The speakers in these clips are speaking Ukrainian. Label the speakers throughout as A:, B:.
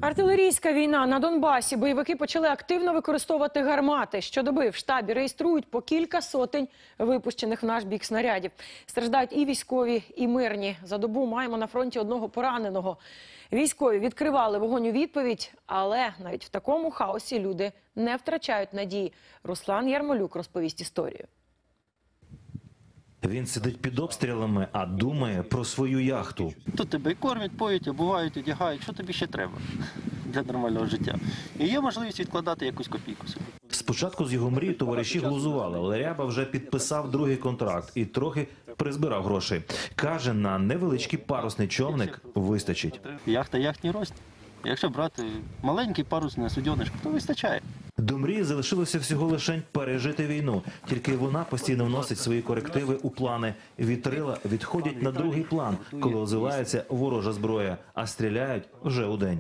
A: Артилерійська війна на Донбасі. Бойовики почали активно використовувати гармати. Щодоби в штабі реєструють по кілька сотень випущених в наш бік снарядів. Страждають і військові, і мирні. За добу маємо на фронті одного пораненого. Військові відкривали вогонь у відповідь, але навіть в такому хаосі люди не втрачають надії. Руслан Ярмолюк розповість історію.
B: Він сидить під обстрілами, а думає про свою яхту.
C: Тут тебе і кормять, поють, обувають, одягають. Що тобі ще треба для нормального життя? І є можливість відкладати якусь копійку собі.
B: Спочатку з його мрії товариші глузували, але Ряба вже підписав другий контракт і трохи призбирав грошей. Каже, на невеличкий парусний човник вистачить.
C: Яхта яхтній рост. Якщо брати маленький парусний суденишко, то вистачає.
B: До мрії залишилося всього лише пережити війну. Тільки вона постійно вносить свої корективи у плани. Вітрила відходять на другий план, коли озивається ворожа зброя, а стріляють вже удень.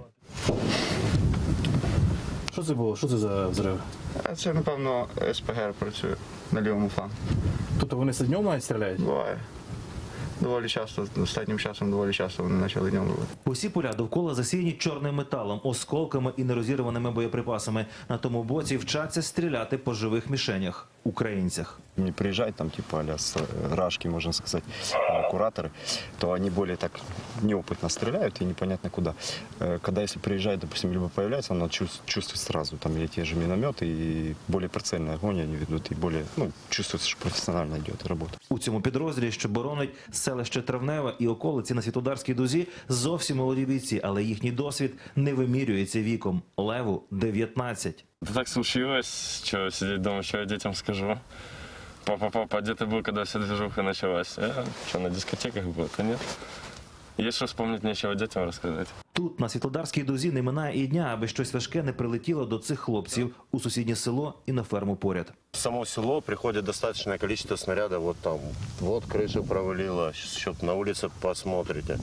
D: Що це було? Що це за взрив?
E: Це, напевно, СПГ працює на лівому флангу.
D: Тобто вони днем навіть стріляють?
E: Буває. Доволі часто, останнім часом доволі часто вони почали днем робити.
B: Усі поля довкола засіяні чорним металом, осколками і нерозірваними боєприпасами. На тому боці вчаться стріляти по живих мішенях – українцях.
F: Не приезжать там типа а-ля с рашки, можно сказать, кураторы, то они более так неопытно стреляют и непонятно куда. Когда если приезжает, допустим, либо появляется, он чувствует сразу, там или те же минометы, и более прицельный огонь они ведут, и более, чувствуется, что профессионально идет работа.
B: У цьому підрозділі, що боронить селище Травневе і околиці на Світлодарській дузі, зовсім молоді бійці, але їхній досвід не вимірюється віком. Леву – 19.
G: Так случилось, что сидеть дома, что я детям скажу. Папа, где ты был, когда вся движуха началась? Что, на дискотеках был? Да нет. Есть что вспомнить, нечего детям рассказать.
B: Тут, на Світлодарській дузі, не минає і дня, аби щось важке не прилетіло до цих хлопців у сусіднє село і на ферму поряд.
H: В само село приходит достаточное количество снарядов. Вот там, вот крыша провалила, сейчас на улице посмотрите.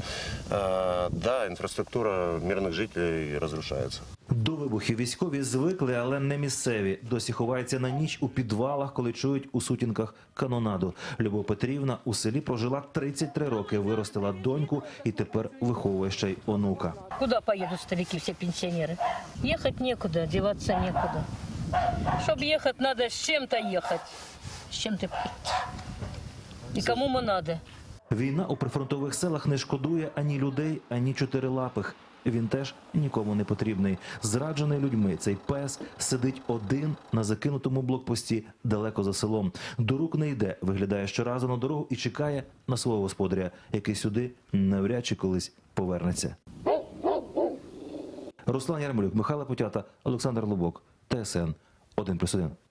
H: Да, инфраструктура мирных жителей разрушается.
B: До вибухів військові звикли, але не місцеві. Досі ховаються на ніч у підвалах, коли чують у сутінках канонаду. Любов Петрівна у селі прожила 33 роки, виростила доньку і тепер виховує ще й онука.
I: Куда поедут старики, все пенсионеры? Ехать некуда, деваться некуда. Чтобы ехать, надо с чем-то ехать. С чем-то прийти. И кому мы надо.
B: Війна у прифронтових селах не шкодує ані людей, ані чотирилапих. Він теж нікому не потрібний. Зраджений людьми, цей пес сидить один на закинутому блокпості далеко за селом. До рук не йде, виглядає щоразу на дорогу і чекає на свого господаря, який сюди навряд чи колись повернеться. Руслан Ярмолюк, Михайло Путята, Олександр Лубок, ТСН 1+1.